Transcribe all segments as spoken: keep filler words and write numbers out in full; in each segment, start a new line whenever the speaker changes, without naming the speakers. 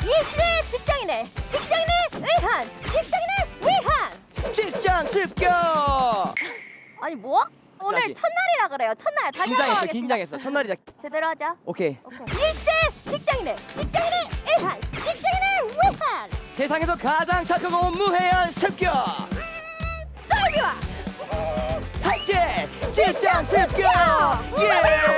일시대 직장인의 직장인을 위한 직장인을 위한
직장 습격.
아니 뭐? 오늘
다시.
첫날이라 그래요. 첫날 다시 한번
긴장했어,
하겠습니다.
긴장했어. 첫날이자.
제대로 하자.
오케이.
오케이. 일시대 직장인의 직장인을 위한 직장인을 위한
세상에서 가장 착하고 무해한 습격.
떨비와
파이팅! 직장 습격. 예.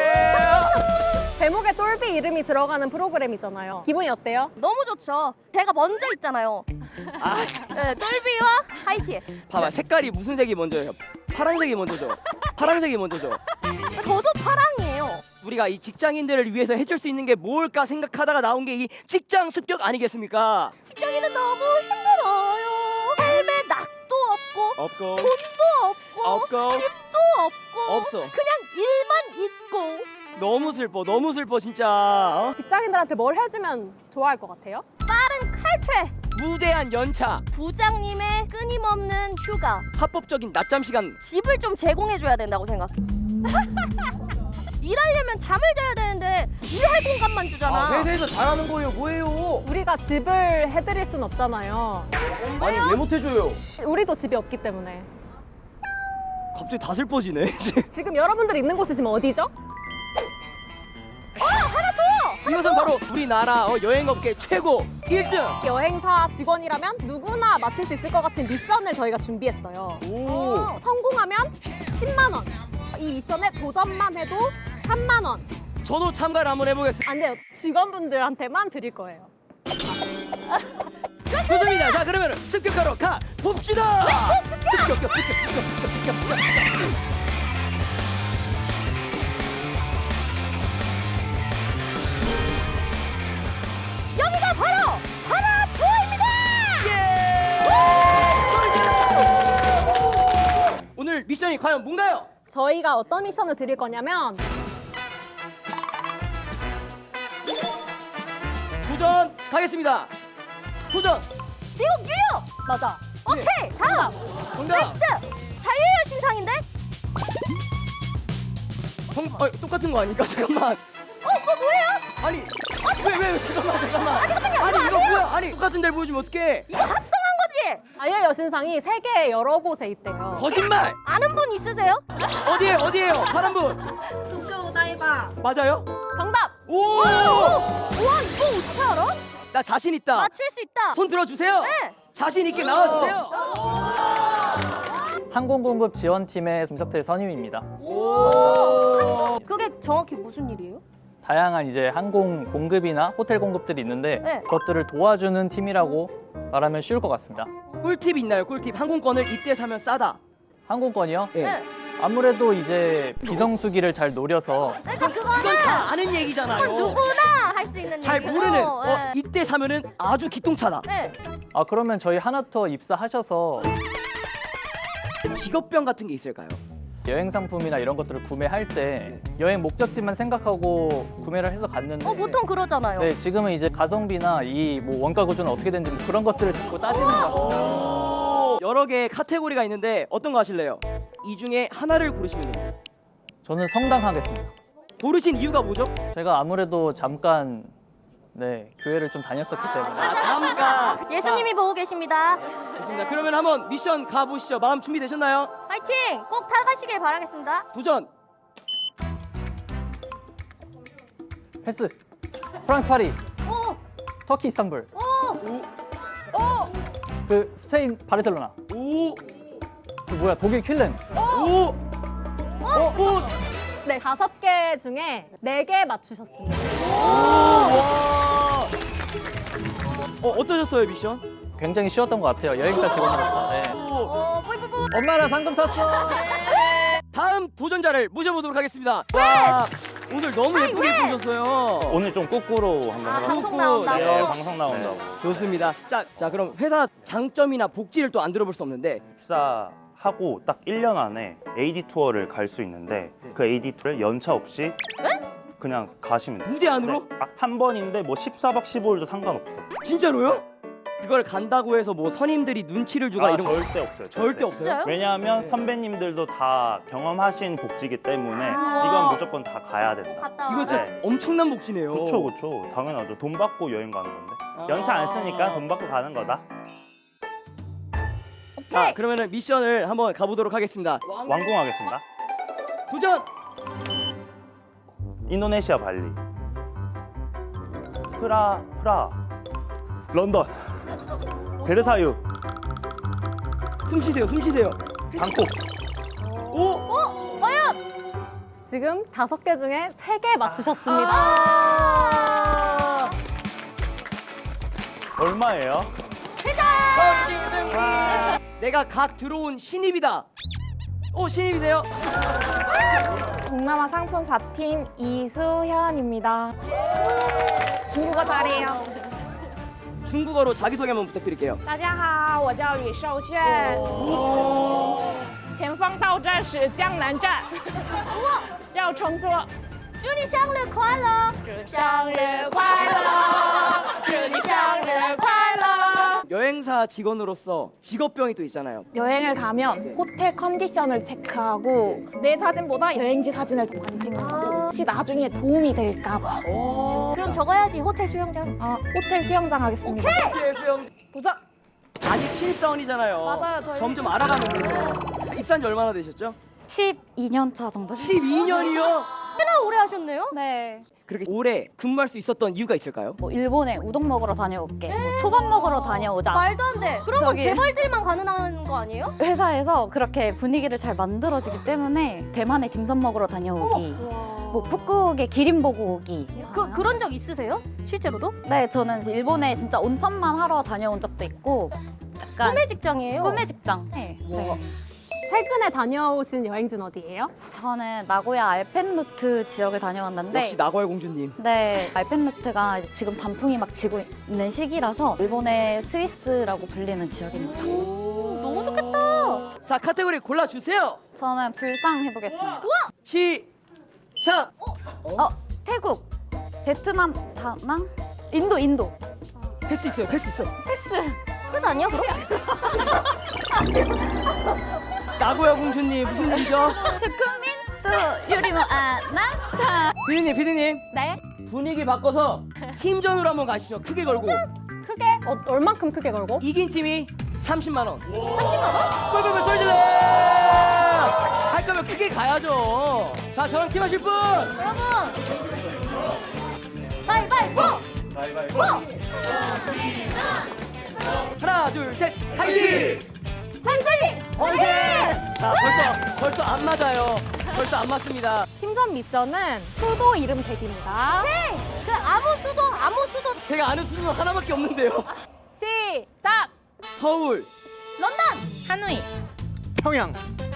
제목에 똘비 이름이 들어가는 프로그램이잖아요. 기분이 어때요?
너무 좋죠. 제가 먼저 있잖아요.
아,
네, 떨비와 하이티.
봐봐. 색깔이 무슨 색이 먼저예요? 파란색이 먼저죠. 파란색이 먼저죠.
저도 파랑이에요.
우리가 이 직장인들을 위해서 해줄 수 있는 게 뭘까 생각하다가 나온 게 이 직장 습격 아니겠습니까?
직장인은 너무 힘들어요. 삶에 낙도 없고
없고
돈도 없고
없고
집도 없고
없어.
그냥 일만 있고.
너무 슬퍼. 너무 슬퍼 진짜. 어?
직장인들한테 뭘 해주면 좋아할 것 같아요?
빠른 칼퇴.
무대한 연차,
부장님의 끊임없는 휴가.
합법적인 낮잠 시간.
집을 좀 제공해줘야 된다고 생각해. 일하려면 잠을 자야 되는데 일할 공간만 주잖아.
회사에서 잘하는 거예요. 뭐예요?
우리가 집을 해드릴 순 없잖아요.
아니 왜 못해줘요?
우리도 집이 없기 때문에.
갑자기 다 슬퍼지네.
지금 여러분들이 있는 곳이 지금 어디죠?
이것은 바로 우리나라 어, 여행업계 최고 일 등.
여행사 직원이라면 누구나 맞출 수 있을 것 같은 미션을 저희가 준비했어요.
오.
성공하면 십만 원. 이 미션에 도전만 해도 삼만 원.
저도 참가를 한번 해보겠습니다.
안 돼요. 직원분들한테만 드릴 거예요.
좋습니다. 자 그러면 습격하러 가 봅시다. 습격, 습격, 습격, 습격, 습격, 습격, 습격.
여기가 바로 하나투어입니다.
예! 오늘 미션이 과연 뭔가요?
저희가 어떤 미션을 드릴 거냐면
도전 가겠습니다. 도전.
미국 뉴욕.
맞아.
오케이 다음.
정답.
넥스트. 자유의 신상인데?
정, 어, 똑같은 거 아닙니까? 잠깐만.
어 그거 뭐예요?
아니 왜 왜 잠깐만 잠깐만.
아니 잠깐만요.
아니
이거
이거
아세요?
뭐야? 아니 똑같은 데를 보여주면 어떡해?
이거 합성한 거지?
자유의 여신상이 세계 여러 곳에 있대요.
거짓말.
아는 분 있으세요?
어디에 어디에요? 파란 분.
도쿄 오다이바.
맞아요?
정답!
오!
우와 이거 어떻게 알아?
나 자신 있다.
맞힐 수 있다.
손 들어주세요.
네.
자신 있게 나와주세요.
항공공급 지원팀의 김석태 선임입니다.
오.
그게 정확히 무슨 일이에요?
다양한 이제 항공 공급이나 호텔 공급들이 있는데
네.
그것들을 도와주는 팀이라고 말하면 쉬울 것 같습니다.
꿀팁 있나요? 꿀팁. 항공권을 이때 사면 싸다.
항공권이요?
예.
네.
아무래도 이제 비성수기를 잘 노려서
그러니까 그거는
이건 다 아는 얘기잖아요.
누구나 할 수 있는
잘
얘기예요.
모르는. 어,
네.
이때 사면은 아주 기똥차다.
네.
아 그러면 저희 하나투어 입사하셔서
직업병 같은 게 있을까요?
여행 상품이나 이런 것들을 구매할 때 여행 목적지만 생각하고 구매를 해서 갔는데
어 보통 그러잖아요.
네, 지금은 이제 가성비나 이 뭐 원가 구조는 어떻게 되는지 뭐 그런 것들을 자꾸 따지는 것 같아요.
오. 여러 개의 카테고리가 있는데 어떤 거 하실래요? 이 중에 하나를 고르시면 됩니다.
저는 성당 하겠습니다.
고르신 이유가 뭐죠?
제가 아무래도 잠깐 네 교회를 좀 다녔었기 때문에
아, 잠깐.
예수님이 보고 계십니다.
좋습니다. 그러면 한번 미션 가보시죠. 마음 준비되셨나요?
파이팅! 꼭 타가시길 바라겠습니다.
도전.
패스 프랑스 파리
오!
터키 이스탄불
오!
오.
오!
그 스페인 바르셀로나
오.
그 뭐야 독일 퀼렌
오.
어?
오.
네, 다섯 개 중에 네 개 맞추셨습니다.
와. 어, 어떠셨어요, 미션?
굉장히 쉬웠던 것 같아요 여행사 직원으로서. 네.
오.
오! 뿌이뿌뿌!
엄마랑 상금 탔어.
다음 도전자를 모셔보도록 하겠습니다. 와, 오늘 너무 예쁘게
왜?
입으셨어요.
오늘 좀 거꾸로 한번
아,
해봤어요.
방송 나온다고?
예, 방송 나온다고.
좋습니다. 자, 자 그럼 회사 장점이나 복지를 또 안 들어볼 수 없는데
입사하고 딱 일 년 안에 에이디 투어를 갈 수 있는데 그 에이디 투어를 연차 없이 그냥 가시면 돼요.
무제한으로?
네. 아, 한 번인데 뭐 십사 박 십오 일도 상관없어.
진짜로요? 그걸 간다고 해서 뭐 선임들이 눈치를 주거나
아,
이런 거
절대 없어요.
절대 없어요?
진짜요?
왜냐하면 선배님들도 다 경험하신 복지기 때문에 이건 무조건 다 가야 된다.
갔다 와.
이거 진짜
네.
엄청난 복지네요.
그쵸 그쵸 당연하죠. 돈 받고 여행 가는 건데 연차 안 쓰니까 돈 받고 가는 거다.
자, 그러면은 미션을 한번 가보도록 하겠습니다.
완공하겠습니다.
도전!
인도네시아 발리, 프라 프라, 런던, 베르사유,
숨 쉬세요, 숨 쉬세요.
방콕.
오!
지금 다섯 개 중에 세 개 맞추셨습니다.
아!
얼마예요?
전지승리! 내가 갓 들어온 신입이다. 어, 신입이세요?
동남아 상품 사 팀 이수현입니다. 중국어 잘해요.
중국어로 자기소개 한번 부탁드릴게요.
大家好，我叫李寿炫。前方到站是江南站，要乘坐。
祝你生日快乐！
祝生日快乐，祝你生日快乐。
여행사 직원으로서 직업병이 또 있잖아요.
여행을 가면 호텔 컨디션을 체크하고 내 사진보다 여행지 사진을 더 많이 찍어요. 혹시 나중에 도움이 될까 봐.
그럼 적어야지 호텔 수영장.
어, 호텔 수영장 하겠습니다.
호텔 수영
도전!
아직 신입사원이잖아요.
맞아요, 저희.
점점 알아가면 돼요. 입사한 지 얼마나 되셨죠?
십이 년 차 정도.
십이 년이요?
꽤나 오래 하셨네요.
네.
그렇게 오래 근무할 수 있었던 이유가 있을까요?
뭐 일본에 우동 먹으러 다녀올게. 뭐 초밥 먹으러 다녀오자.
말도 안 돼. 그런 건
저기-
제 말들만 가능한 거 아니에요?
회사에서 그렇게 분위기를 잘 만들어지기 때문에 대만에 딤섬 먹으러 다녀오기. 뭐 북극에 기린 보고 오기.
그 그런 적 있으세요? 실제로도?
네, 저는 일본에 진짜 온천만 하러 다녀온 적도 있고 약간
꿈의 직장이에요.
꿈의 직장. 네. 네.
최근에 다녀오신 여행지는 어디예요?
저는 나고야 알펜루트 지역을 다녀왔는데
역시 나고야 공주님.
네, 알펜루트가 지금 단풍이 막 지고 있는 시기라서 일본의 스위스라고 불리는 지역입니다.
너무 좋겠다.
자, 카테고리 골라주세요.
저는 불상 해보겠습니다.
시작!
어, 태국, 베트남, 다낭, 인도, 인도.
패스 있어요, 패스 있어.
끝 아니야 그럼?
나고야 공주님 무슨 일이죠?
슈크민 또 유리모 아나타.
피디님, 피디님
네,
분위기 바꿔서 팀전으로 한번 가시죠. 크게 걸고
크게? 어, 얼만큼 크게 걸고?
이긴 팀이 삼십만 원. 삼십만 원? 꿀꿀꿀 쏠질러! 할 거면 크게 가야죠. 자, 저랑 팀 하실 분.
여러분. 가위바위보.
가위바위보. 하나, 둘, 셋, 화이팅!
한글리. 화이팅!
자, 벌써 벌써 안 맞아요. 벌써 안 맞습니다.
팀전 미션은 수도 이름 대기입니다.
네. 그 아무 수도 아무 수도
제가 아는 수는 하나밖에 없는데요.
시작!
서울,
런던.
하노이.
평양,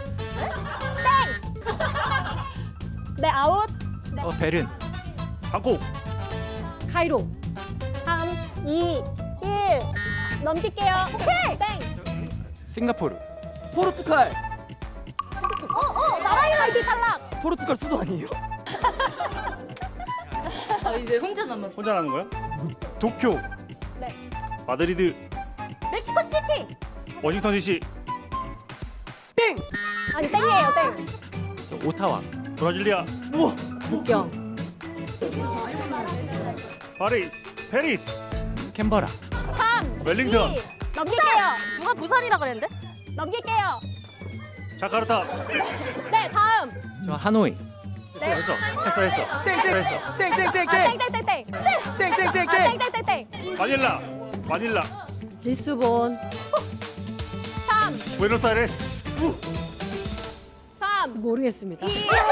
네, 아웃.
어, 베른,
방콕,
카이로. 삼, 이, 일. 넘길게요. 오케이. 땡.
싱가포르,
포르투갈.
어어 나라 이름
아이디 탈락.
포르투갈 수도 아니에요.
혼자 나는 거야?
도쿄,
네.
마드리드,
멕시코 시티.
워싱턴 디씨,
땡!
아니, 땡이에요, 땡.
오타와,
브라질리아,
우와,
국경.
파리, 페리스,
캔버라,
삼,
웰링턴,
이. 넘길게요.
누가 부산이라 그랬는데?
넘길게요.
자카르타.
네, 다음.
저 하노이,
네.
했어, 했어, 했어.
땡, 땡,
했어.
땡, 땡, 땡,
아,
땡,
땡땡땡땡.
땡, 땡, 땡,
아,
땡.
땡땡땡땡.
마닐라, 마닐라,
리스본. 삼,
부에노스아이레스,
삼.
모르겠습니다.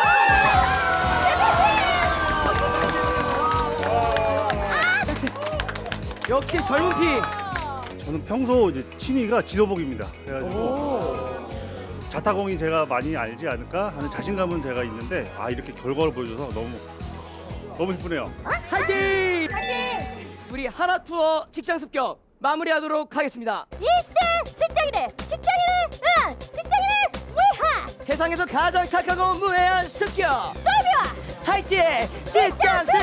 역시 젊은 피.
저는 평소 이제 취미가 지도복입니다. 그래가지고 자타공이 제가 많이 알지 않을까 하는 자신감은 제가 있는데 아 이렇게 결과를 보여줘서 너무 너무 기쁘네요.
화이팅! 우리 하나 투어 직장 습격 마무리하도록 하겠습니다.
이 시대 직장인의 직장인의 응 직장인의 위하
세상에서 가장 착하고 무해한 습격
달려와
화이팅! 직장 습격!